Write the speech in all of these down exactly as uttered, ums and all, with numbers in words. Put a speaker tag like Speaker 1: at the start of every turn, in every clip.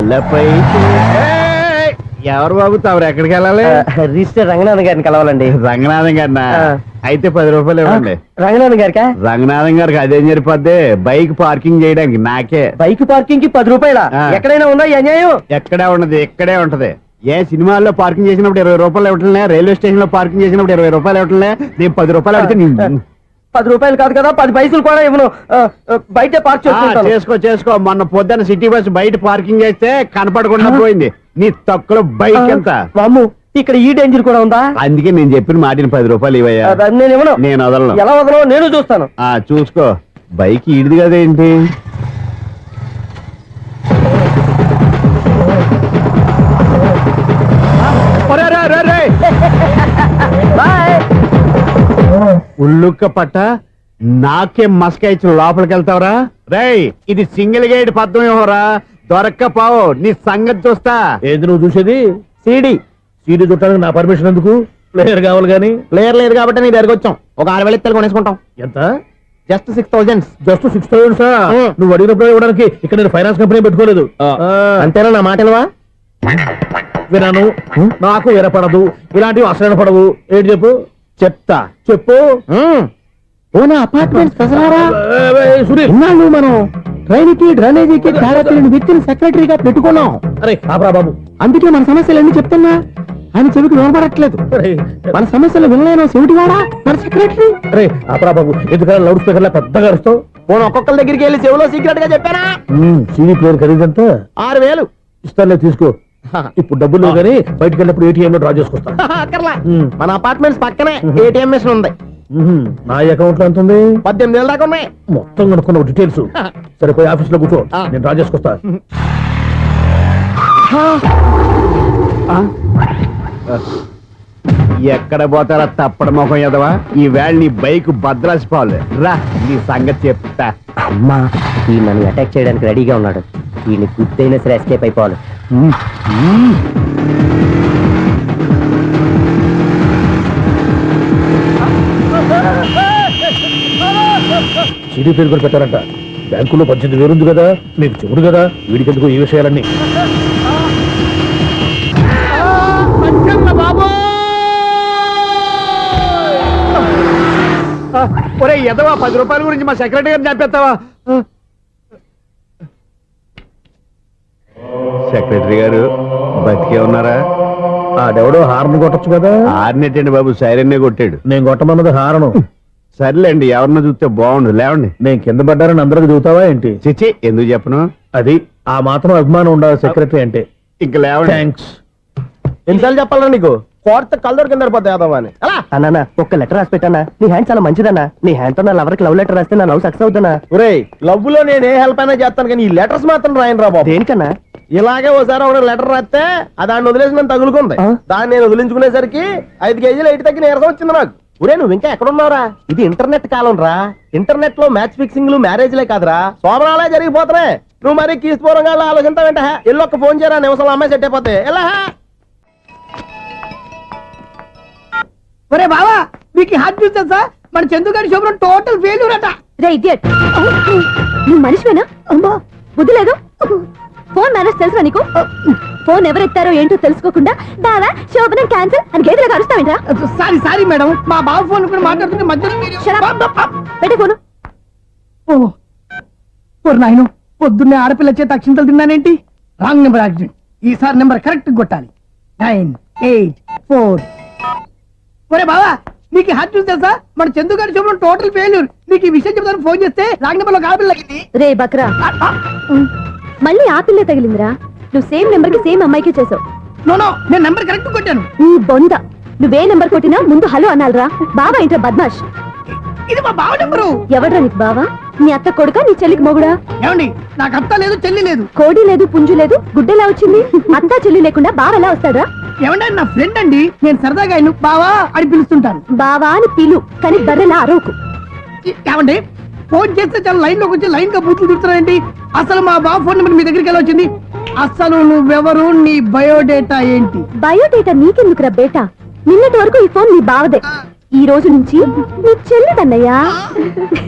Speaker 1: తలపై ఎవరు బాబు తమరు ఎక్కడికి వెళ్ళాలి?
Speaker 2: రిజిస్టర్ రంగనాథన్ గారిని కలవాలండి.
Speaker 1: రంగనాథం గారినా? అయితే పది రూపాయలు ఇవ్వండి.
Speaker 2: రంగనాథన్ గారికా?
Speaker 1: రంగనాథం గారికి అదేం సరిపోద్ది, బైక్ పార్కింగ్ చేయడానికి. నాకే
Speaker 2: బైక్ పార్కింగ్ కి పది రూపాయల ఎక్కడైనా ఉందా ఈ అన్యాయం?
Speaker 1: ఎక్కడే ఉండదు, ఇక్కడే ఉంటది. ఏ సినిమాల్లో పార్కింగ్ చేసినప్పుడు ఇరవై రూపాయలు ఇవ్వట్లే, రైల్వే స్టేషన్ లో పార్కింగ్ చేసినప్పుడు ఇరవై రూపాయలు ఇవ్వట్లే, నేను పది రూపాయలు అడిగితే
Speaker 2: పది రూపాయలు కాదు కదా, పది పైసలు కూడా ఇవ్వను. బయట పార్క్
Speaker 1: చేసుకో చేసుకో మొన్న పొద్దున్న సిటీ బస్ బయట పార్కింగ్ చేస్తే కనపడకుండా పోయింది. నీ తక్కువ బైక్ ఎంత?
Speaker 2: వామ్ము, ఇక్కడ ఈ డేంజర్ కూడా ఉందా?
Speaker 1: అందుకే నేను చెప్పిన మాటిని పది రూపాయలు ఇవ్వయ్యా.
Speaker 2: నేను ఇవ్వను.
Speaker 1: నేను వదలను.
Speaker 2: ఎలా వదలను? నేను చూస్తాను.
Speaker 1: ఆ చూసుకో. బైక్ ఈడిది కదేంటి? ఉల్లుక్క పట్ట నాకే మస్క ఇచ్చి లోపలికి వెళ్తావరా? రేయ్, ఇది సింగిల్ గేట్ పద్మం ఇవ్వరా, దొరక్కపోవు నీ సంగతి చూస్తా.
Speaker 3: ఏది నువ్వు చూసేది?
Speaker 1: సీడీ.
Speaker 3: సీడీ చుట్టానికి నా పర్మిషన్ ఎందుకు? ప్లేయర్ కావాలి గానీ.
Speaker 1: ప్లేయర్ లేదు కాబట్టి నీ దగ్గరకు వచ్చాం. ఒక ఆరు వేలు ఇత్తలు కొనేసుకుంటాం.
Speaker 3: ఎంత?
Speaker 1: Just six thousand.
Speaker 3: Just six thousand sir? నువ్వు అడిగినప్పుడు ఇవ్వడానికి ఇక్కడ నేను ఫైనాన్స్ కంపెనీ పెట్టుకోలేదు.
Speaker 1: అంతేనా? నా మాటలువా
Speaker 3: వినాను, నాకు ఎరపడదు, ఇలాంటివి అసలు పడవు. ఏంటి చెప్పు?
Speaker 1: చెప్తా.
Speaker 3: చెప్పు.
Speaker 1: ఓనా అపార్ట్మెంట్స్
Speaker 3: సునీల్,
Speaker 1: మనం ట్రైన్కి డ్రైనేజీకి తేడా తెలియని వ్యక్తిని సెక్రటరీగా పెట్టుకున్నాం.
Speaker 3: అరే ఆపరా బాబు,
Speaker 1: అందుకే మన సమస్యలు ఎన్ని చెప్తున్నా ఆయన చెవికి వినపడట్లేదు. మన సమస్యలు వినలేను చెవిటివాడా మన సెక్రటరీ.
Speaker 3: అరే ఆపరా బాబు, ఎందుకన్నా లౌడ్ స్పీకర్ లా పెద్దగా అరుస్తావు?
Speaker 1: పోను ఒక్కొక్కరి దగ్గరికి వెళ్ళి చెవిలో సీక్రెట్ గా చెప్పానా?
Speaker 3: సీడీ ప్లేయర్ ఖరీదంతా
Speaker 1: ఆరు వేలు.
Speaker 3: ఇస్తానులే, తీసుకో. ఇప్పుడు డబ్బులు లేవు కానీ బయటకు వెళ్ళినప్పుడు ఏటీఎం లో డ్రా చేసుకొస్తా.
Speaker 1: మన అపార్ట్మెంట్స్ పక్కనే ఏటీఎం మిషన్ ఉంది.
Speaker 3: నా అకౌంట్ లో ఎంత ఉంది?
Speaker 1: పద్దెనిమిది వేల దాకా ఉన్నాయి.
Speaker 3: మొత్తం కనుక్కున్న డీటెయిల్స్. సరే పోయి ఆఫీస్ లో కూర్చో, నేను డ్రా చేసుకొస్తా.
Speaker 1: ఎక్కడ పోతారా తప్పడ మొహం ఎదవా? ఈ వేళ నీ బైక్ భద్రాసిపోవాలి. రా నీ సంగతి చెప్తా.
Speaker 2: అమ్మా, ఈ నన్ను అటాక్ చేయడానికి రెడీగా ఉన్నాడు. ఈయన గుర్తైనా సరే ఎస్కేప్ అయిపోవాలి.
Speaker 3: సీడీ పేరు కూడా పెట్టారంట. బ్యాంకులో పద్దెనిమిది వేలు ఉంది కదా, మీకు చెవుడు కదా, వీడికెందుకు ఈ విషయాలన్నీ?
Speaker 1: ఒరే ఎదవా, పది రూపాయల గురించి మా సెక్రటరీ గారిని చంపేస్తావా? సెక్రటరీ గారు బతికే ఉన్నారా?
Speaker 3: ఆడెవడో హార్న్ కొట్టచ్చు కదా.
Speaker 1: హార్నెట్టండి బాబు, సైరన్నే కొట్టాడు.
Speaker 3: నేను కొట్టమన్నది హారను.
Speaker 1: సర్లేండి, ఎవరన్నా చూస్తే బాగుండు. లేవండి.
Speaker 3: నేను కింద పడ్డారని అందరికి చూతావా ఏంటి?
Speaker 1: చిచ్చి, ఎందుకు చెప్పను?
Speaker 3: అది ఆ మాత్రం అభిమానం ఉండాలి సెక్రటరీ అంటే.
Speaker 1: ఇంక లేవండి.
Speaker 3: థ్యాంక్స్.
Speaker 1: ఎన్నిసార్లు చెప్పాలరా నీకు? కోర్త కలర్ కింద పోతాయి అని.
Speaker 2: అన్నా, ఒక్క లెటర్ రాసి పెట్టానా? నీ హ్యాండ్ చాలా మంచిదన్నా. నీ హ్యాండ్ తో నా లవర్కి లవ్ లెటర్ రాస్తే నా లవ్ సక్సెస్ అవుతానా?
Speaker 1: ఒరే, లవ్ లో నేను ఏ హెల్ప్ అయినా చేస్తాను కానీ ఈ లెటర్స్ మాత్రం రాయను రా బాబు.
Speaker 2: దేనికన్నా?
Speaker 1: ఇలాగే ఒకసారి ఒక లెటర్ రాస్తే అది దాన్ని వదిలేసి నన్ను తగులుకుంది. దాన్ని నేను వదిలించుకునేసరికి ఐదు కేజీలు ఎయిట్ తగ్గి నీరసం వచ్చింది నాకు. ఒరే, నువ్వు ఇంకా ఎక్కడున్నావురా? ఇది ఇంటర్నెట్ కాలం రా. ఇంటర్నెట్ లో మ్యాచ్ ఫిక్సింగ్లు మ్యారేజ్లే కాదురా, శోభనాలే జరిగిపోతున్నాయి. నువ్వు మరి కీస్పూరంగా ఆలోచించావంటే ఎల్లు ఒక్క ఫోన్ చేయరా, నిమిషంలో అమ్మాయి సెట్ అయిపోతే. ఎలా?
Speaker 4: ఒరే బావా, మీకు హార్ట్ చూస్తా సార్, మన చందుగారి శోభనం టోటల్ ఫెయిల్యూర్ అట.
Speaker 5: రే ఇడియట్, నువ్వు మనిషివేనా? అమ్మా, బుద్ధి లేదు. ఫోన్ మేనేజ్ తెలుసా నీకు? ఫోన్ ఎవరెత్తారో ఏంటో తెలుసుకోకుండా బావా శోభనం క్యాన్సిల్ అని గేదెలకు అరుస్తావేంట్రా?
Speaker 4: సారీ సారీ మేడం, మా బావ ఫోన్ కూడా మాట్లాడుతుంటే మధ్యలో
Speaker 5: పెట్టే ఫోను.
Speaker 4: ఓ నాయను, పొద్దున్నే ఆడపిల్ల చేత అక్షింతలు తిన్నానేంటి? Wrong number accident. ఈసారి నెంబర్ కరెక్ట్ కొట్టాలి. Nine eight four. ఒరే బావా, నీకు హార్ట్ చూస్తే సార్, మన చందుగారి శోభనం టోటల్ ఫెయిల్యూర్. నీకు ఈ విషయం చెప్తాను ఫోన్ చేస్తే రాంగ్ నెంబర్ లో ఆడపిల్ల తగ్గింది.
Speaker 5: రే బక్రా, మళ్ళీ ఆ పిల్లే తగిలిందిరా. నువ్వు సేమ్ నెంబర్ కి సేమ్ అమ్మాయికే చేసావు.
Speaker 4: నో నో, నేను నెంబర్ కరెక్ట్ కొట్టాను.
Speaker 5: ఈ బొంద, నువ్వే నెంబర్ కొట్టినా ముందు హలో అనాలరా. బావా ఏంట్రా బద్మాష్?
Speaker 4: ఇది మా బావ నెంబరు.
Speaker 5: ఎవడ్రా నీకు బావా? నీ అత్త కొడుక, నీ చెల్లికి మొగుడా?
Speaker 4: ఏమండి, నాకు అత్త లేదు, చెల్లి లేదు.
Speaker 5: కోడి లేదు, పుంజు లేదు, గుడ్డెలా వచ్చింది? అత్త చెల్లి లేకుండా బావ ఎలా వస్తాడా?
Speaker 4: ఏమంటే నా ఫ్రెండ్ అండి, నేను సరదాగా ఆయన బావా అని పిలుస్తుంటాను.
Speaker 5: బావా అని పిలు, కానీ బర్రెలా అరవకు.
Speaker 4: ఏమండి, ఫోన్ చేస్తే చాలా లైన్ లోకి వచ్చి లైన్ గా బూతులు తిడుతున్నాయండి. అసలు మా బావ ఫోన్ నెంబర్ మీ దగ్గరికి ఎలా వచ్చింది? అసలు నువ్వెవరు, నీ బయోడేటా ఏంటి?
Speaker 5: బయోడేటా నీకెందుకురా బేటా? నిన్నటి వరకు ఈ ఫోన్ నీ బావదే, ఈ రోజు నుంచి నీ చెల్లిదన్నయ్యా.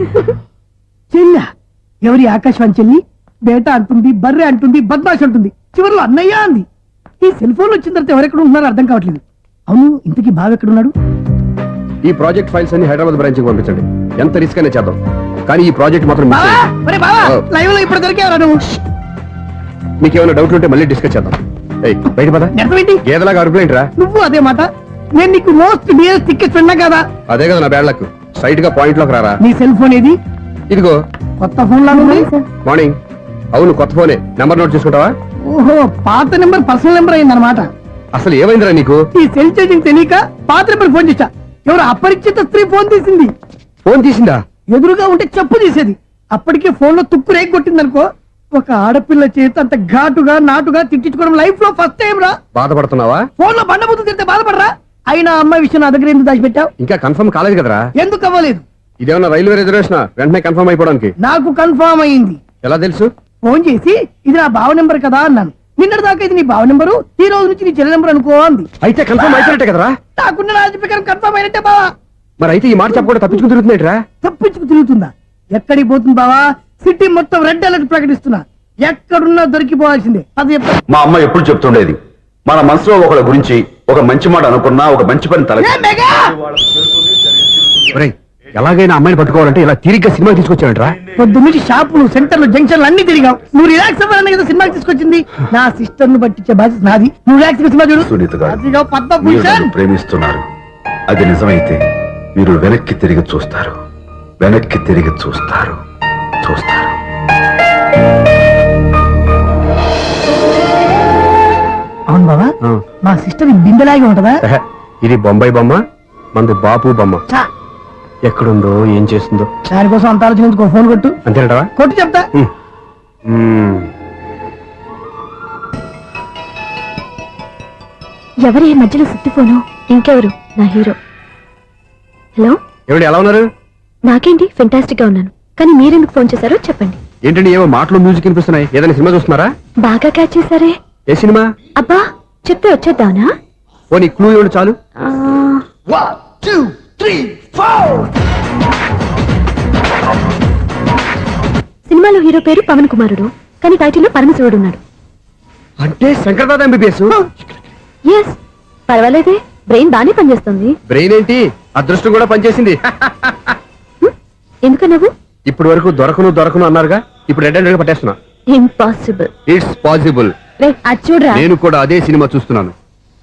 Speaker 4: చెల్లి? ఎవరి ఆకాశవాణి చెల్లి? బేటా అంటుంది, బర్రె అంటుంది, బద్మాష్ అంటుంది. చివరిలో అన్నయ్య అంది. ఈ సెల్ ఫోన్ వచ్చిన తర్వాత ఎవరెక్కడ ఉంటున్నారో అర్థం కావట్లేదు. అవును, ఇంతకీ బావ ఎక్కడున్నాడు?
Speaker 6: ఈ ప్రాజెక్ట్ ఫైల్స్ అన్ని హైదరాబాద్ బ్రాంచ్ కి పంపించండి. ఎంత రిస్క్ అయినా చేద్దాం, కానీ ఈ ప్రాజెక్ట్ మాత్రం miss
Speaker 4: బావా,
Speaker 6: చేయొద్దు.
Speaker 4: ఒరే బావా,
Speaker 6: ఓ.
Speaker 4: లైవ్ లో ఇప్పుడు దొరికేవరా నువ్వు?
Speaker 6: మీకు ఏమైనా డౌట్లు ఉంటే మళ్ళీ డిస్కస్ చేద్దాం. ఏయ్, బయట పద.
Speaker 4: నిజమేంటి?
Speaker 6: గేదలాగా అరుపులేంట్రా?
Speaker 4: నువ్వు అదే మాట. నేను నీకు మోస్ట్ డియర్ టికెట్ విన్నా కదా.
Speaker 6: అదే కదా నా బ్యాడ్ లక్. స్ట్రైట్ గా పాయింట్ లోకి రారా.
Speaker 4: నీ సెల్ ఫోన్ ఏది?
Speaker 6: ఇదిగో
Speaker 4: కొత్త ఫోన్ లాగా ఉంది.
Speaker 6: మార్నింగ్. అవును, కొత్త ఫోనే. నెంబర్ నోట్ చేసుకుంటావా?
Speaker 4: ఓహో, పాత నెంబర్ పర్సనల్ నెంబర్ అయిందన్నమాట.
Speaker 6: అసలు ఏమైందిరా నీకు?
Speaker 4: ఈ సెల్ చేంజింగ్ తెలియక పాత నెంబర్ ఫోన్ చేశా. ఎవరు అపరిచిత స్త్రీ ఫోన్ తీసింది.
Speaker 6: ఫోన్ తీసిందా?
Speaker 4: ఎదురుగా ఉంటే చెప్పు తీసేది. అప్పటికే ఫోన్ లో తుక్కు రేగి కొట్టిందనుకో. ఒక ఆడపిల్ల చేత అంత ఘాటుగా నాటుగా తిట్టించుకోవడం లైఫ్ లో ఫస్ట్ టైం రా.
Speaker 6: బాధపడుతున్నావా?
Speaker 4: ఫోన్ లో బండబూతులు తింటే బాధపడరా? అయినా అమ్మాయి విషయం నా దగ్గర ఎందుకు దాచిపెట్టావు?
Speaker 6: ఇంకా కన్ఫర్మ్ కాలేదు కదరా.
Speaker 4: ఎందుకు అవ్వలేదు?
Speaker 6: ఇదేమన్నా రైల్వే రిజర్వేషన్? వెంటనే కన్ఫర్మ్ అయిపోవడానికి.
Speaker 4: నాకు కన్ఫర్మ్ అయింది.
Speaker 6: ఎలా తెలుసు?
Speaker 4: ఫోన్ చేసి ఇది నా బావ నెంబర్ కదా అన్నాను. నిన్నటి దాకా ఇది నీ బావ నెంబరు, ఈ రోజు నుంచి నీ చెల్లి నెంబర్ అనుకో అంది.
Speaker 6: అయితే కన్ఫర్మ్ అయిపోయినట్టే కదరా.
Speaker 4: నాకున్న రాజు ప్రకారం కన్ఫర్మ్ అయినట్టే బావా.
Speaker 6: మరి అయితే ఈ మాట చెప్పకుండా తప్పించుకుని తిరుగుతున్నట్రా?
Speaker 4: తప్పించుకు తిరుగుతుందా? ఎక్కడికి పోతుంది బావా? సిటీ మొత్తం రెడ్ అలర్ట్ ప్రకటిస్తున్నా. ఎక్కడున్నా దొరికిపోవాల్సిందే. అది చెప్తా.
Speaker 7: మా అమ్మ ఎప్పుడు చెప్తుండేది, మన మనసులో ఒకళ్ళ గురించి ఒక మంచి మాట అనుకున్నా ఒక మంచి పని తల
Speaker 4: ఏ మెగా!
Speaker 6: ఒరేయ్, ఎలాగైనా అమ్మాయిని పట్టుకోవాలంటే ఇలా తిరిగ్గా సినిమా తీసుకొచ్చాడంట్రా.
Speaker 4: పొద్దున్నుంచి షాపులు, సెంటర్లు, జంక్షన్లు అన్ని తిరిగావు. నువ్వు రిలాక్స్ అవ్వాలని కదా సినిమాకి తీసుకొచ్చింది. నా సిస్టర్ ను పట్టించే బాధ్యత నాది. నువ్వు రిలాక్స్ సినిమా చూడు.
Speaker 7: సునీత గారు,
Speaker 4: అదిగో
Speaker 7: మీరు
Speaker 4: పద్మభూషణ్.
Speaker 7: నన్ను ప్రేమిస్తున్నారు. అది నిజమైతే మీరు వెనక్కి తిరిగి చూస్తారు, వెనక్కి తిరిగి చూస్తారు, చూస్తారు.
Speaker 4: అవును బాబా,
Speaker 6: ఆ.
Speaker 4: మా సిస్టర్ బిందెలాగే ఉంటదా?
Speaker 6: ఎహె, ఇది బొంబాయి బొమ్మ, మంది బాపు బొమ్మ.
Speaker 4: చా,
Speaker 6: ఎక్కడుందో ఏం చేస్తుందో.
Speaker 4: దానికోసం అంత ఆలోచించుకో. ఫోన్ కొట్టు.
Speaker 6: అంతేనంటావా?
Speaker 4: కొట్టు చెప్తా.
Speaker 6: ఉమ్. ఉమ్.
Speaker 5: ఎవరి ఈ మధ్యలో సుత్తి ఫోను? ఇంకెవరు? నా హీరో. హలో,
Speaker 6: ఏమిటి, ఎలా ఉన్నారు?
Speaker 5: నాకేంటి ఫెంటాస్టిక్ గా ఉన్నాను. కానీ మీరెందుకు ఫోన్ చేశారో చెప్పండి.
Speaker 6: ఏంటండి ఏవో మాటలు మ్యూజిక్ వినిపిస్తున్నాయి? ఏదైనా సినిమా చూస్తున్నారా?
Speaker 5: బాగా క్యాచ్ చేశారే.
Speaker 6: ఏ సినిమా?
Speaker 5: అబ్బా, చెప్తే వచ్చేద్దానా?
Speaker 6: ఓ నీ క్లూ ఇవ్వండి చాలు.
Speaker 5: ఆ, సినిమాలో హీరో పేరు పవన్ కుమారుడు, కానీ టైటిల్లో పరమశివుడు ఉన్నాడు.
Speaker 6: అంటే శంకర్దాద ఎంబీబీఎస్.
Speaker 5: ఎస్, పర్వాలేదే, బ్రెయిన్ బానే పనిచేస్తుంది.
Speaker 6: బ్రెయిన్ ఏంటి, అదృష్టం కూడా పనిచేసింది.
Speaker 5: ఎందుకన్నావు?
Speaker 6: ఇప్పటి వరకు దొరకను దొరకను అన్నారుగా, ఇప్పుడు రెడ్ హండ్రెడ్ పట్టేస్తున్నా.
Speaker 5: ఇంపాసిబుల్.
Speaker 6: It's possible.
Speaker 5: రే, అది చూడరా.
Speaker 6: నేను కూడా అదే సినిమా చూస్తున్నాను.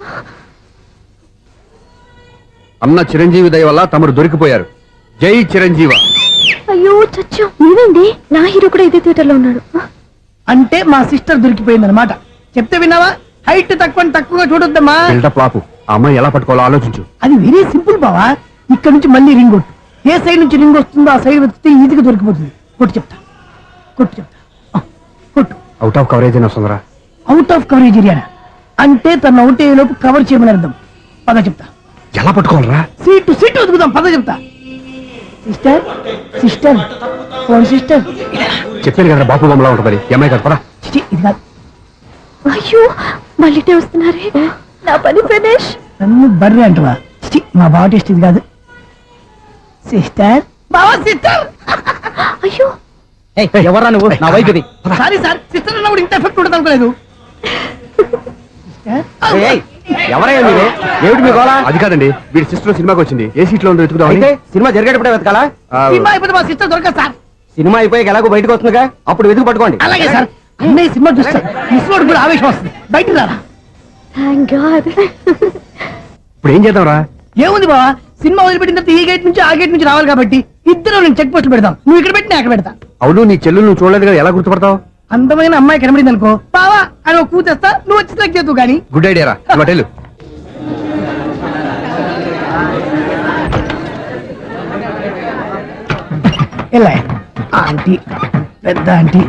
Speaker 6: అన్న చిరంజీవి దయ వల్ల తమరు దొరికిపోయారు. జై చిరంజీవ.
Speaker 5: అయ్యో చచ్చా, నీవేంటి? నా హీరో కూడా ఇదే థియేటర్ లో ఉన్నాడు.
Speaker 4: అంటే మా సిస్టర్ దొరికిపోయింది అనమాట. చెప్తే విన్నావా? హైట్ తక్కువ తక్కువగా చూడొద్దమ్మా.
Speaker 6: బిల్డప్ లాపు. ఆ అమ్మాయి ఎలా పట్టుకోవాలో ఆలోచించు.
Speaker 4: అది వెరీ సింపుల్ బావా. ఇక్కడ నుంచి మళ్ళీ రింగ్ కొట్టు. ఏ సైడ్ నుంచి రింగ్ వస్తుందో ఆ సైడ్ వెతికితే ఈజీగా దొరికిపోతుంది. కొట్టు చెప్తా, కొట్టు చెప్తా. ఆ, కొట్టు.
Speaker 6: అవుట్ ఆఫ్ కవరేజ్ అయినా వస్తుందిరా.
Speaker 4: అవుట్ ఆఫ్ కవరేజ్ ఏరియా అంటే తన అవుట్ అయ్యే లోపు కవర్ చేయమని అర్థం. పద చెప్తా.
Speaker 6: ఎలా పట్టుకోవాలరా?
Speaker 4: సీటు సీటు వెతుకుదాం. పద చెప్తా. Sister sister phone sister.
Speaker 6: చెప్పాను కదా బాపు బొమ్మలా ఉంటుంది. ఈ అమ్మాయి కదా, పద.
Speaker 4: చిచి, ఇది కాదు.
Speaker 5: అయ్యో, మళ్ళీ వస్తున్నారే. నా పని ఫినిష్.
Speaker 4: నన్ను బర్రె అంటవా? చిచి, మా బావ టేస్ట్ ఇది కాదు. సిస్టర్, బావా సిస్టర్.
Speaker 5: అయ్యో,
Speaker 2: ఎవరా నువ్వు? నా వైపు ఇది.
Speaker 4: సారీ సార్, సిస్టర్ అన్నప్పుడు ఇంత ఎఫెక్ట్ ఉంటుంది అనుకోలేదు. సిస్టర్,
Speaker 2: ఎవరయ్యా మీరు? ఏమిటి మీ గోళ?
Speaker 6: అది కాదండి, వీడి సిస్టర్ సినిమాకి వచ్చింది. ఏ సీట్ లో ఉందో వెతుకుదాం.
Speaker 2: అయితే సినిమా జరిగేటప్పుడే వెతకాలా?
Speaker 4: సినిమా అయిపోతే మా సిస్టర్ దొరకదు సార్.
Speaker 2: సినిమా అయిపోయాక ఎలాగో బయటకు వస్తుందిగా, అప్పుడు వెతుకు పట్టుకోండి.
Speaker 4: అలాగే సార్. అన్నయ్య సినిమా చూస్తారు. మిస్ కూడా ఆవేశం వస్తుంది. బయటికి రారా.
Speaker 5: Thank God.
Speaker 6: ఇప్పుడు ఏం చేద్దాంరా?
Speaker 4: ఏముంది బావా, సినిమా వదిలిపెట్టిన తర్వాత ఈ గేట్ నుంచి ఆ గేట్ నుంచి రావాలి కాబట్టి ఇద్దరు నేను చెక్ పోస్టులు పెడతాం. నువ్వు ఇక్కడ పెట్టి నేను అక్కడ పెడతా.
Speaker 6: అవును, నీ చెల్లెలు నువ్వు చూడలేదు కదా, ఎలా గుర్తుపడతావు?
Speaker 4: అందమైన అమ్మాయి కనబడింది అనుకో, బావా అని ఒక కూతేస్తా. నువ్వు వచ్చి సెలెక్ట్ చేద్దు కానీ.
Speaker 6: గుడ్ ఐడియా రా. హోటల్
Speaker 4: ఎలా ఆంటీ, పెద్ద ఆంటీ.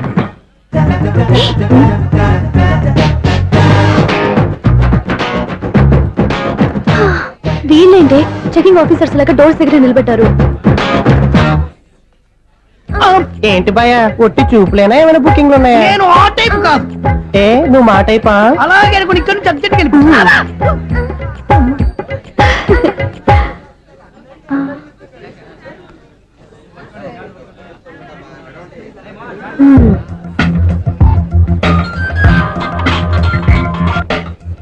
Speaker 5: వీళ్ళేంటి చెకింగ్ ఆఫీసర్స్ లాగా డోర్స్ దగ్గర నిలబెట్టారు.
Speaker 2: ఏంటి భయ, ఒట్టి చూపులేనా ఏమైనా బుకింగ్లు ఉన్నాయా?
Speaker 4: నేను ఆ టైప్ కాదు.
Speaker 2: ఏ నువ్వు మా టైపా?
Speaker 4: అలాగే అనుకుని ఇక్కడ నుంచి అర్జెంట్కి వెళ్ళిపోతున్నా.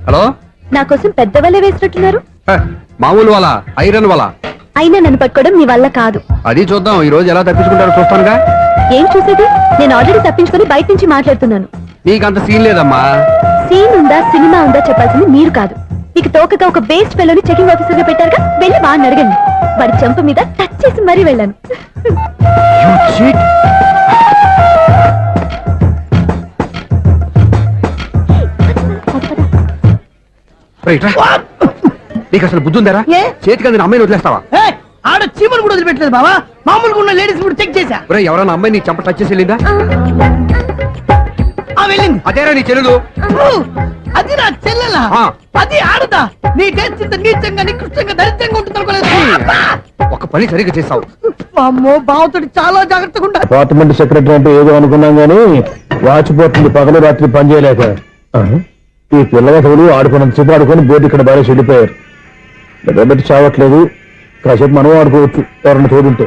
Speaker 6: హలో
Speaker 5: నా కోసం పెద్ద వలే వేసినట్టున్నారు.
Speaker 6: హ, మామూలు వాళ్ళ ఐరన్ వాళ్ళ
Speaker 5: అయినా నన్ను పట్టుకోవడం మీ వల్ల కాదు.
Speaker 6: అది చూద్దాం ఈ రోజు ఎలా తప్పించుకుంటారో చూస్తానుగా.
Speaker 5: ఏం చూసేది? నేను ఆల్రెడీ తప్పించుకొని బయట నుంచి మాట్లాడుతున్నాను.
Speaker 6: నీకంత సీన్ లేదమ్మా.
Speaker 5: సీన్ ఉందా సినిమా ఉందా చెప్పాల్సింది మీరు కాదు. మీకు తోకగా ఒక బేస్ట్ ఫెలోని చెకింగ్ ఆఫీసర్ గా పెట్టారుగా, వెళ్ళి వాడిని అడగండి. వాడి చెంప మీద టచ్ చేసి మరీ వెళ్ళాను.
Speaker 6: రైట్ రా. నీకు అసలు బుద్ధి ఉందారా?
Speaker 4: ఏ?
Speaker 6: చేతికి అందిన అమ్మాయిని వదిలేస్తావా?
Speaker 4: ఏయ్, ఆడ చీమలు కూడా వదిలిపెట్టలేదు బావా. మామూలుగా ఉన్న లేడీస్ కూడా చెక్ చేశా.
Speaker 6: ఒరేయ్, ఎవరైనా అమ్మాయి నీ చెంప టచ్ చేసి వెళ్ళిందా?
Speaker 4: ఆ వెళ్ళింది.
Speaker 6: అదేరా నీ చెల్లెలు.
Speaker 4: ఊ, అది నా చెల్లెలా?
Speaker 6: ఆ.
Speaker 4: అది ఆడదా? నీ టేస్ట్ ఇంత నీచంగా నికృష్టంగా దరిద్రంగా ఉంటుంది అనుకోలేదు.
Speaker 6: ఒక పని సరిగ్గా చేస్తావు.
Speaker 4: అమ్మో, బావతోటి చాలా జాగ్రత్తగా ఉండాలి.
Speaker 3: డిపార్ట్మెంట్ సెక్రటరీ అంటే ఏదో అనుకున్నాం గానీ వాచిపోతుంది పగలు రాత్రి పని చేయలేక. ఈ పిల్లగతులు ఆడుకున్నంత సేపు ఆడుకొని బోర్డు ఇక్కడ బాగా చెడిపోయారు. నిద్రబెట్టి చావట్లేదు. కాసేపు మనం ఆడుకోవచ్చు ఎవరన్నా తోడుంటే.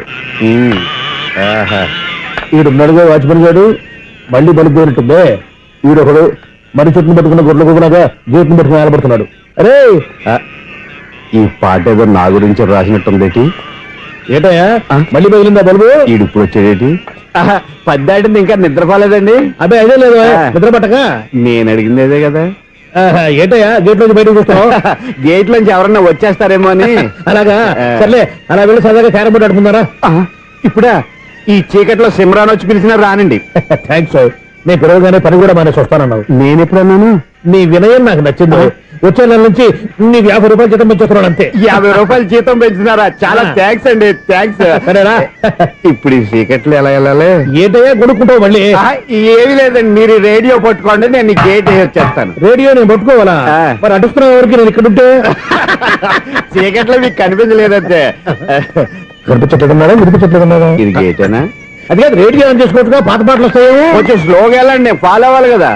Speaker 3: ఈడున్నాడుగా వాచ్మెన్ గారు, మళ్ళీ బలిపోయినట్టుందే. ఈడొకడు మరి చెట్టును పట్టుకున్న గొడ్ల కుక్కలాగా గేట్ను పట్టుకుని ఆలపడుతున్నాడు. అరే,
Speaker 6: ఈ పాట ఏదో నా గురించి రాసినట్టుంది.
Speaker 3: ఏటయ్యా మళ్ళీ బదిలిందా బల్బు?
Speaker 6: ఈడు ఇప్పుడు వచ్చేదేటి? పద్దాటింది ఇంకా నిద్రపోలేదండి.
Speaker 3: అదే అదే లేదు నిద్ర పట్టక.
Speaker 6: నేను అడిగింది అదే కదా.
Speaker 3: ఆహా, ఏటయ్యా గేట్ నుంచి బయటకు చూస్తావు?
Speaker 6: గేట్ లోంచి ఎవరన్నా వచ్చేస్తారేమో అని.
Speaker 3: అలాగా, సర్లే అలా వెళ్ళి సరదాగా క్యారం బోర్డు ఆడుకుందారా?
Speaker 6: ఇప్పుడా? ఈ చీకట్లో సిమ్రాన్ వచ్చి పిలిచినా రానండి.
Speaker 3: థ్యాంక్స్. నేను పిలవగానే పని కూడా మానేసి వస్తానన్నావు.
Speaker 6: నేను ఎప్పుడన్నాను?
Speaker 3: నీ వినయం నాకు నచ్చింది. వచ్చే నెల నుంచి నీకు యాభై రూపాయలు జీతం పెంచుతున్నాను అంతే.
Speaker 6: యాభై రూపాయలు జీతం పెంచుతున్నారా? చాలా థ్యాంక్స్ అండి. థ్యాంక్స్.
Speaker 3: సరేనా?
Speaker 6: ఇప్పుడు ఈ చీకట్లు ఎలా వెళ్ళాలి?
Speaker 3: ఏంటయ్యా కొనుక్కుంటావు మళ్ళీ?
Speaker 6: ఏమి లేదండి, మీరు రేడియో పట్టుకోండి, నేను ఈ గేట్ వేసి వచ్చేస్తాను.
Speaker 3: రేడియో నేను పట్టుకోవాలా? మరి అడుస్తున్న వరకు నేను ఇక్కడ ఉంటే
Speaker 6: చీకట్లో మీకు కనిపించలేదంటే.
Speaker 3: కనిపించట్లేదన్నారా వినిపించట్లేదన్నారా?
Speaker 6: ఇది గేటేనా?
Speaker 3: అది కాదు, రేడియో ఆన్ చేసుకోవచ్చుగా, పాత పాటలు వస్తాయేమో.
Speaker 6: కొంచెం స్లోగా వెళ్ళండి, నేను ఫాలో అవ్వాలి కదా.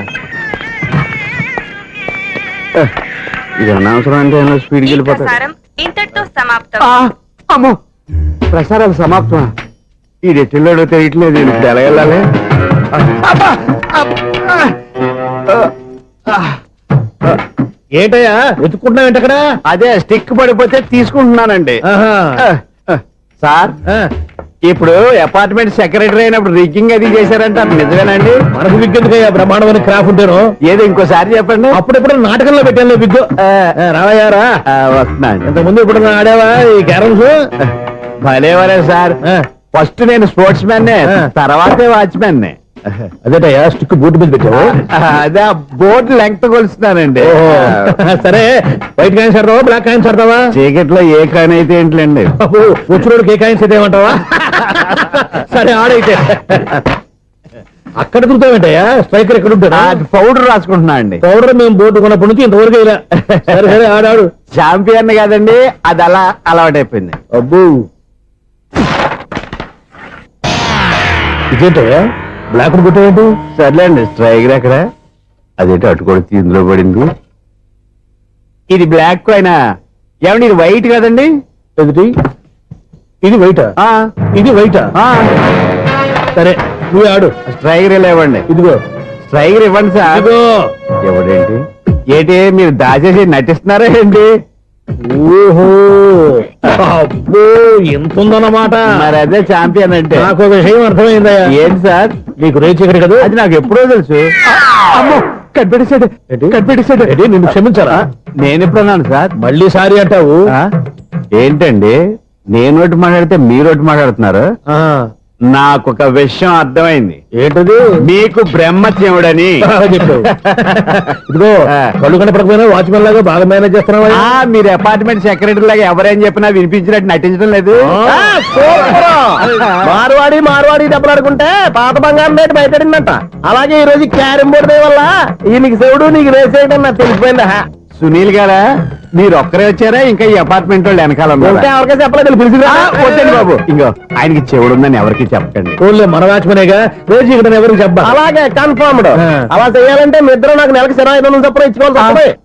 Speaker 6: ఇది అనవసరం అంటే స్పీడ్కి వెళ్ళిపోతాడు.
Speaker 8: ప్రసారం ఇంతటితో సమాప్తం.
Speaker 6: ఆ, అమ్మో, ప్రసారాలు సమాప్తం. ఈ రెట్టిల్లోడో తెలియట్లేదు, నేను ఇప్పుడు ఎలా వెళ్ళాలి? అబ్బా! అబ్బా! ఆ!
Speaker 3: ఏంటయ్యా వెతుక్కుంటున్నావు ఏంటి అక్కడ?
Speaker 6: అదే స్టిక్ పడిపోతే తీసుకుంటున్నానండి.
Speaker 3: ఆహా.
Speaker 6: ఆ, ఆ. సార్,
Speaker 3: ఆ,
Speaker 6: ఇప్పుడు అపార్ట్మెంట్ సెక్రటరీ అయినప్పుడు రిగ్గింగ్ అది చేశారంట, నిజమేనండి?
Speaker 3: మనకు విగ్గెందుకయ్యా బ్రహ్మాండమైన క్రాఫ్ ఉంటాను.
Speaker 6: ఏదో ఇంకోసారి చెప్పండి.
Speaker 3: అప్పుడెప్పుడు నాటకంలో పెట్టాను విగ్గు. రావయ్యారా?
Speaker 6: వస్తున్నాను.
Speaker 3: ఇంతకుముందు ఇప్పుడు ఆడావా ఈ క్యారమ్స్?
Speaker 6: భలేవరే సార్. ఫస్ట్ నేను స్పోర్ట్స్ మ్యాన్,
Speaker 3: ఆ.
Speaker 6: తర్వాతే వాచ్మెన్.
Speaker 3: అదేటయ్యా స్టిక్ బూట్ మీద పెట్టావు?
Speaker 6: అదే ఆ బోర్డు లెంగ్త్ కొలుస్తున్నానండి.
Speaker 3: ఓహో. సరే, వైట్ కాయిన్స్ ఆడతావా బ్లాక్ కాయిన్స్ ఆడతావా?
Speaker 6: చీకట్లో ఏ కాని అయితే ఏంటండి.
Speaker 3: వచ్చినోడికి ఏ కాయిన్స్ అయితే ఏమంటావా? సరే ఆడైతే. అక్కడ తిరుగుతావేంటయ్యా? స్ట్రైకర్ ఎక్కడ ఉంటాడా?
Speaker 6: పౌడర్ రాసుకుంటున్నా అండి.
Speaker 3: పౌడర్ మేము బోర్డు కొన్నప్పటి నుంచి ఇంతవరకు ఇలా. సరే సరే ఆడాడు.
Speaker 6: చాంపియన్ కాదండి, అది అలా అలవాటైపోయింది.
Speaker 3: అబ్బు, ఇదేంటయ్యా బ్లాక్ కొట్టావేంటి?
Speaker 6: సర్లేండి, స్ట్రైకర్ ఎక్కడ? అదేంటి అటుకొడితే ఇందులో పడింది. ఇది బ్లాక్ కాయిన్. ఏమండి ఇది వైట్ కదండి?
Speaker 3: ఎదుటి ఇది వైటా?
Speaker 6: ఆ,
Speaker 3: ఇది వైటా?
Speaker 6: ఆ.
Speaker 3: సరే నువ్వు ఆడు.
Speaker 6: స్ట్రైకర్ ఇలా ఇవ్వండి.
Speaker 3: ఇదిగో
Speaker 6: స్ట్రైకర్ ఇవ్వండి సార్.
Speaker 3: ఇదిగో.
Speaker 6: ఎవడేంటి ఏంటి మీరు దాచేసి నటిస్తున్నారా ఏంటి?
Speaker 3: ఓహో, అబ్బో ఎంత ఉందన్నమాట.
Speaker 6: మరి అదే చాంపియన్ అంటే.
Speaker 3: నాకు ఒక విషయం అర్థమైందయ్యా.
Speaker 6: ఏంటి సార్?
Speaker 3: నీకు రేచి ఇక్కడ కదా?
Speaker 6: అది నాకు ఎప్పుడో తెలుసు. అమ్మో, కనిపెట్టేశాడు కనిపెట్టేశాడు.
Speaker 3: ఏంటి, నిన్ను క్షమించారా?
Speaker 6: నేను ఎప్పుడన్నాను సార్?
Speaker 3: మళ్ళీ సారీ అంటావు?
Speaker 6: ఆ? ఏంటండి, నేను ఒకటి మాట్లాడితే మీరు ఒకటి మాట్లాడుతున్నారు.
Speaker 3: ఆ,
Speaker 6: నాకు ఒక విషయం అర్థమైంది.
Speaker 3: ఏంటది?
Speaker 6: మీకు బ్రహ్మత్యముడని.
Speaker 3: బాగా చెప్పావు. ఇదిగో, కళ్ళు కనపడకపోయినా వాచ్మెన్ లాగా బాగా మేనేజ్ చేస్తున్నావా?
Speaker 6: ఆ, మీరు అపార్ట్మెంట్ సెక్రటరీ లాగా ఎవరేం చెప్పినా వినిపించినట్టు నటించడం లేదు.
Speaker 3: ఆ,
Speaker 1: మార్వాడి మార్వాడి దెబ్బలాడుకుంటే పాత బంగారం రేటు బయటడిందంట. అలాగే ఈ రోజు క్యారం బోర్డు దే వల్ల ఈయనకి శివుడు నీకు రేసేయడం నాకు తెలిసిపోయిందా?
Speaker 6: సునీల్ గారా, మీరు ఒక్కరే వచ్చారా ఇంకా ఈ అపార్ట్మెంట్ వాళ్ళు వెనకాల ఉన్నారా?
Speaker 1: ఇంకా ఎవరికీ చెప్పలేదు, పిలిచిరా.
Speaker 6: ఆ, వద్దండి బాబు, ఇంకో ఆయనకి చెవుడుందని ఎవరికి చెప్పకండి.
Speaker 3: ఓన్లీ మన వాచ్మెనేగా, రేచి ఇక్కడ ఎవరికి చెప్పా.
Speaker 1: అలాగే కన్ఫర్మ్డ్.
Speaker 3: ఆ.
Speaker 1: అలా చేయాలంటే మీ ఇద్దరు నాకు నెలకి సిరా ఐదు వందలు చొప్పున ఇచ్చుకోవాలి. తప్పదు.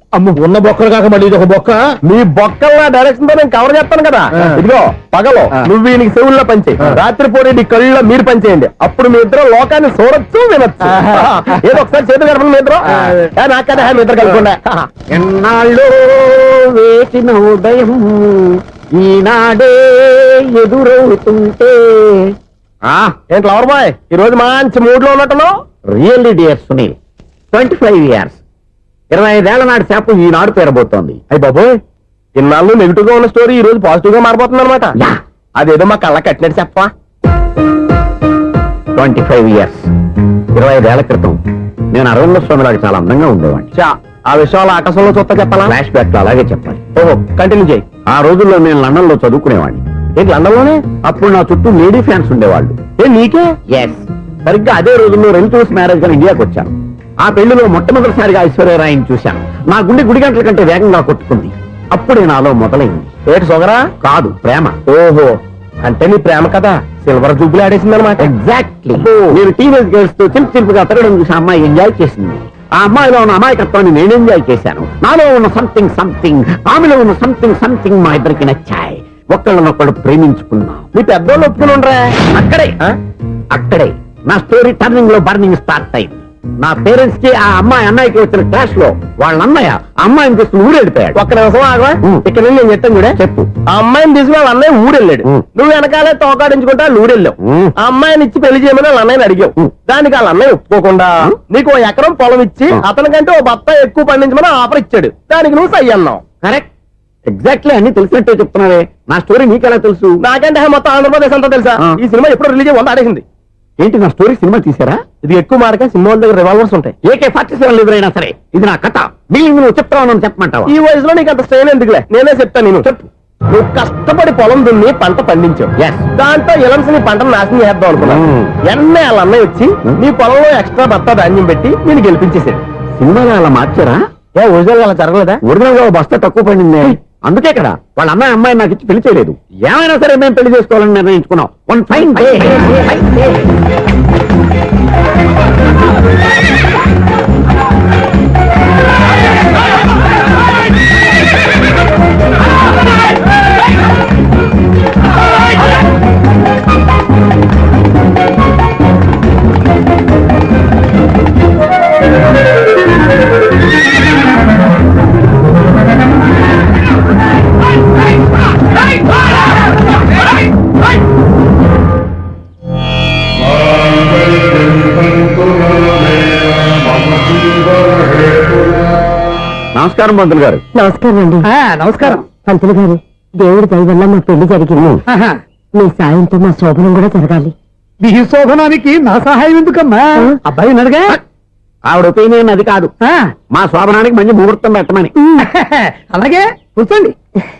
Speaker 3: అమ్మ ఉన్న బొక్కలు కాక మళ్ళీ ఇది ఒక బొక్క.
Speaker 1: మీ బొక్కల డైరెక్షన్ తో నేను కవర్ చేస్తాను కదా.
Speaker 3: ఆ.
Speaker 1: ఇదిగో పగలో
Speaker 3: ఆ.
Speaker 1: నువ్వు వీనికి చెవుల్లో పంచే,
Speaker 3: ఆ.
Speaker 1: రాత్రిపూట నీ కళ్ళలో మీరు పంచేయండి. అప్పుడు మీ ఇద్దరు లోకాన్ని చూడొచ్చు వినొచ్చు.
Speaker 3: ఆహా.
Speaker 1: ఏదో ఒకసారి చేతులు కలపండి మీ ఇద్దరు.
Speaker 3: ఆ.
Speaker 1: ఏ, నాకు కదా మీ ఇద్దరు కలపకుండా.
Speaker 6: ఎన్నాళ్ళు వేసిన ఉదయం ఈనాడే ఎదురవుతుంటే
Speaker 1: ఏంటి లవర్ బాయ్, ఈ రోజు మంచి మూడ్ లో ఉన్నట్టున్నావు.
Speaker 6: Really dear Sunil, twenty five years ఇరవై ఐదేళ్ల నాటి చేప ఈనాడు పేరబోతోంది.
Speaker 1: అయ్యి బాబోయ్, ఇన్నాళ్ళు నెగిటివ్ గా ఉన్న స్టోరీ ఈ రోజు పాజిటివ్ గా మారిపోతుంది అనమాట.
Speaker 6: యా.
Speaker 1: అదేదో మా కళ్ళ కట్టినట్టు చెప్పా.
Speaker 6: ట్వంటీ ఫైవ్ ఇయర్స్ ఇరవై ఐదేళ్ల క్రితం నేను అరవింద స్వామి లాగా చాలా అందంగా ఉండేవాడిని.
Speaker 1: చా, ఆ విషయాలు ఆకాశంలో చూస్తా చెప్పాలా?
Speaker 6: ఫ్లాష్ బ్యాక్ లో అలాగే చెప్పాలి.
Speaker 1: ఓహో, కంటిన్యూ చేయి.
Speaker 6: ఆ రోజుల్లో నేను లండన్ లో చదువుకునేవాడిని.
Speaker 1: ఏంటి లండన్ లోనే?
Speaker 6: అప్పుడు నా చుట్టూ లేడీ ఫ్యాన్స్ ఉండేవాళ్ళు.
Speaker 1: ఏ నీకే?
Speaker 6: ఎస్, సరిగ్గా అదే రోజుల్లో రిలేటివ్స్ మ్యారేజ్ గా ఇండియాకి వచ్చాను. ఆ పెళ్లిలో మొట్టమొదటిసారిగా ఐశ్వర్యరాయని చూశాను. నా గుండె గుడి గంటల కంటే వేగంగా కొట్టుకుంది. అప్పుడే నాలో మొదలైంది.
Speaker 1: ఏటి సొగరా?
Speaker 6: కాదు, ప్రేమ.
Speaker 1: ఓహో, అంటే నీ ప్రేమ కదా సిల్వర్ జూబ్లీ ఆడేసింది అనమాట.
Speaker 6: ఎగ్జాక్ట్లీ. నేను టీనేజ్ గర్ల్స్ తో చిలిపి చిలిపిగా తిరగడం చూసి ఆ అమ్మాయి ఎంజాయ్ చేసింది. ఆ అమ్మాయిలో ఉన్న అమాయకత్వాన్ని నేను ఎంజాయ్ చేశాను. నాలో ఉన్న సంథింగ్ సంథింగ్, ఆమెలో ఉన్న సంథింగ్ సంథింగ్ మా ఇద్దరికి నచ్చాయి. ఒక్కళ్ళనొక్కడు ప్రేమించుకున్నాం.
Speaker 1: నీ పెద్దోళ్ళు ఒప్పుకుని ఉండరా?
Speaker 6: అక్కడే
Speaker 1: ఆ?
Speaker 6: అక్కడే నా స్టోరీ టర్నింగ్ లో బర్నింగ్ స్టార్ట్ అయింది. నా పేరెంట్స్ కి ఆ అమ్మాయి అన్నయ్యకి వచ్చిన క్లాష్ లో వాళ్ళ అన్నయ్య ఆ అమ్మాయిని తీసుకుని ఊరెళ్ళిపోయాడు.
Speaker 1: ఒక్క నిమిషం ఆగవా?
Speaker 6: ఉం.
Speaker 1: ఇక్కడ నుండి నేను చెప్తాను చూడే.
Speaker 6: చెప్పు.
Speaker 1: ఆ అమ్మాయిని తీసుకుని వాళ్ళ అన్నయ్య ఊరెళ్ళాడు.
Speaker 6: ఉం.
Speaker 1: నువ్వు వెనకాలే తోకాడించుకుంటా వాళ్ళు ఊరెళ్ళావు.
Speaker 6: ఉం.
Speaker 1: ఆ అమ్మాయిని ఇచ్చి పెళ్లి చేయమని వాళ్ళ అన్నయ్యని అడిగావు.
Speaker 6: ఉం.
Speaker 1: దానికి వాళ్ళ అన్నయ్య ఒప్పుకోకుండా
Speaker 6: ఉం.
Speaker 1: నీకు ఓ ఎకరం పొలం ఇచ్చి
Speaker 6: ఉం.
Speaker 1: అతనికంటే ఓ బత్త ఎక్కువ పండించమని ఆఫర్ ఇచ్చాడు. దానికి నువ్వు సై అన్నావు.
Speaker 6: కరెక్ట్, ఎగ్జాక్ట్లీ అన్ని తెలిసినట్టే చెప్తున్నావే. నా స్టోరీ నీకెలా తెలుసు?
Speaker 1: నాకంటే మొత్తం ఆంధ్రప్రదేశ్ అంతా తెలుసా?
Speaker 6: ఆ.
Speaker 1: ఈ సినిమా ఎప్పుడు రిలీజ్ వంద ఆడేసింది.
Speaker 6: ఏంటి, నా స్టోరీ సినిమా తీసారా?
Speaker 1: ఇది ఎక్కువ మార్క సినిమా వాళ్ళ దగ్గర రివాల్వర్స్ ఉంటాయి.
Speaker 6: ఏకే ఫార్టీ సెవెన్ ఎదురైనా సరే ఇది నా కథ. మిగిలిన నువ్వు చెప్తావు చెప్పమంటావా?
Speaker 1: ఈ వయసులో నీకు అంత స్ట్రెయిన్ ఎందుకులే, నేనే చెప్తాను. నేను చెప్పు. నువ్వు కష్టపడి పొలం దున్ని పంట పండించావు.
Speaker 6: Yes.
Speaker 1: దాంతో ఎలమ్స్ నీ పంటను నాశనం చేద్దాం అనుకున్నావు.
Speaker 6: Hmm.
Speaker 1: ఎన్నే వాళ్ళ అన్నయ్య వచ్చి
Speaker 6: Hmm.
Speaker 1: నీ పొలంలో ఎక్స్ట్రా బత్తా ధాన్యం పెట్టి నేను గెలిపించేసాడు.
Speaker 6: సినిమాలో అలా మార్చారా?
Speaker 1: ఏ ఒరిజినల్ అలా జరగలేదా?
Speaker 6: ఒరిజినల్ గా ఓ బస్తా తక్కువ పడింది. అందుకే కదా వాళ్ళ అమ్మాయి అమ్మాయి నాకు ఇచ్చి పెళ్లి చేయలేదు. ఏమైనా సరే మేము పెళ్లి చేసుకోవాలని నిర్ణయించుకున్నాం. One fine day. నమస్కారం పంతులు గారు.
Speaker 2: నమస్కారం అండి.
Speaker 4: ఆ, నమస్కారం.
Speaker 2: పంతులు గారు, దేవుడి దయ వల్ల మా పెళ్లి జరిగింది.
Speaker 4: ఆహా.
Speaker 2: మీ సాయంతో మా శోభనం కూడా జరగాలి.
Speaker 4: మీ శోభనానికి నా సహాయం ఎందుకమ్మా? అబ్బాయి ఉన్నాడుగా.
Speaker 6: ఆవిడ ఒపీనియన్ అది కాదు.
Speaker 4: ఆ,
Speaker 6: మా శోభనానికి మంచి ముహూర్తం పెట్టమని.
Speaker 4: అలాగే కూర్చోండి.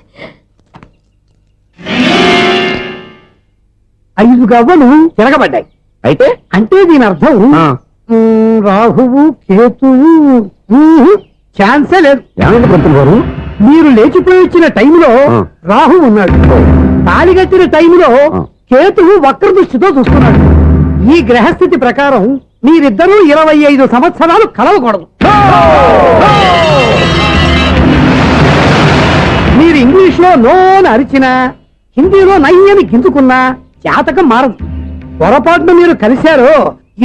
Speaker 4: ఐదు గవ్వలు తిరగబడ్డాయి.
Speaker 6: అయితే
Speaker 4: అంటే దీని అర్థం
Speaker 6: ఆ,
Speaker 4: ఉమ్, రాహువు కేతువు ఉమ్, ఛాన్సే లేదు.
Speaker 6: ఏమైంది పంతులు గారు?
Speaker 4: మీరు లేచిపోయి వచ్చిన టైంలో
Speaker 6: ఆ.
Speaker 4: రాహు ఉన్నాడు. తాళి కట్టిన టైంలో
Speaker 6: ఆ.
Speaker 4: కేతువు వక్ర దృష్టితో చూస్తున్నాడు. ఈ గ్రహస్థితి ప్రకారం మీరిద్దరూ ఇరవై ఐదు సంవత్సరాలు కలవకూడదు. మీరు ఇంగ్లీష్ లో నోన్ అరిచినా, హిందీలో నయ్యని గింజుకున్నా జాతకం మారదు. పొరపాటున మీరు కలిశారో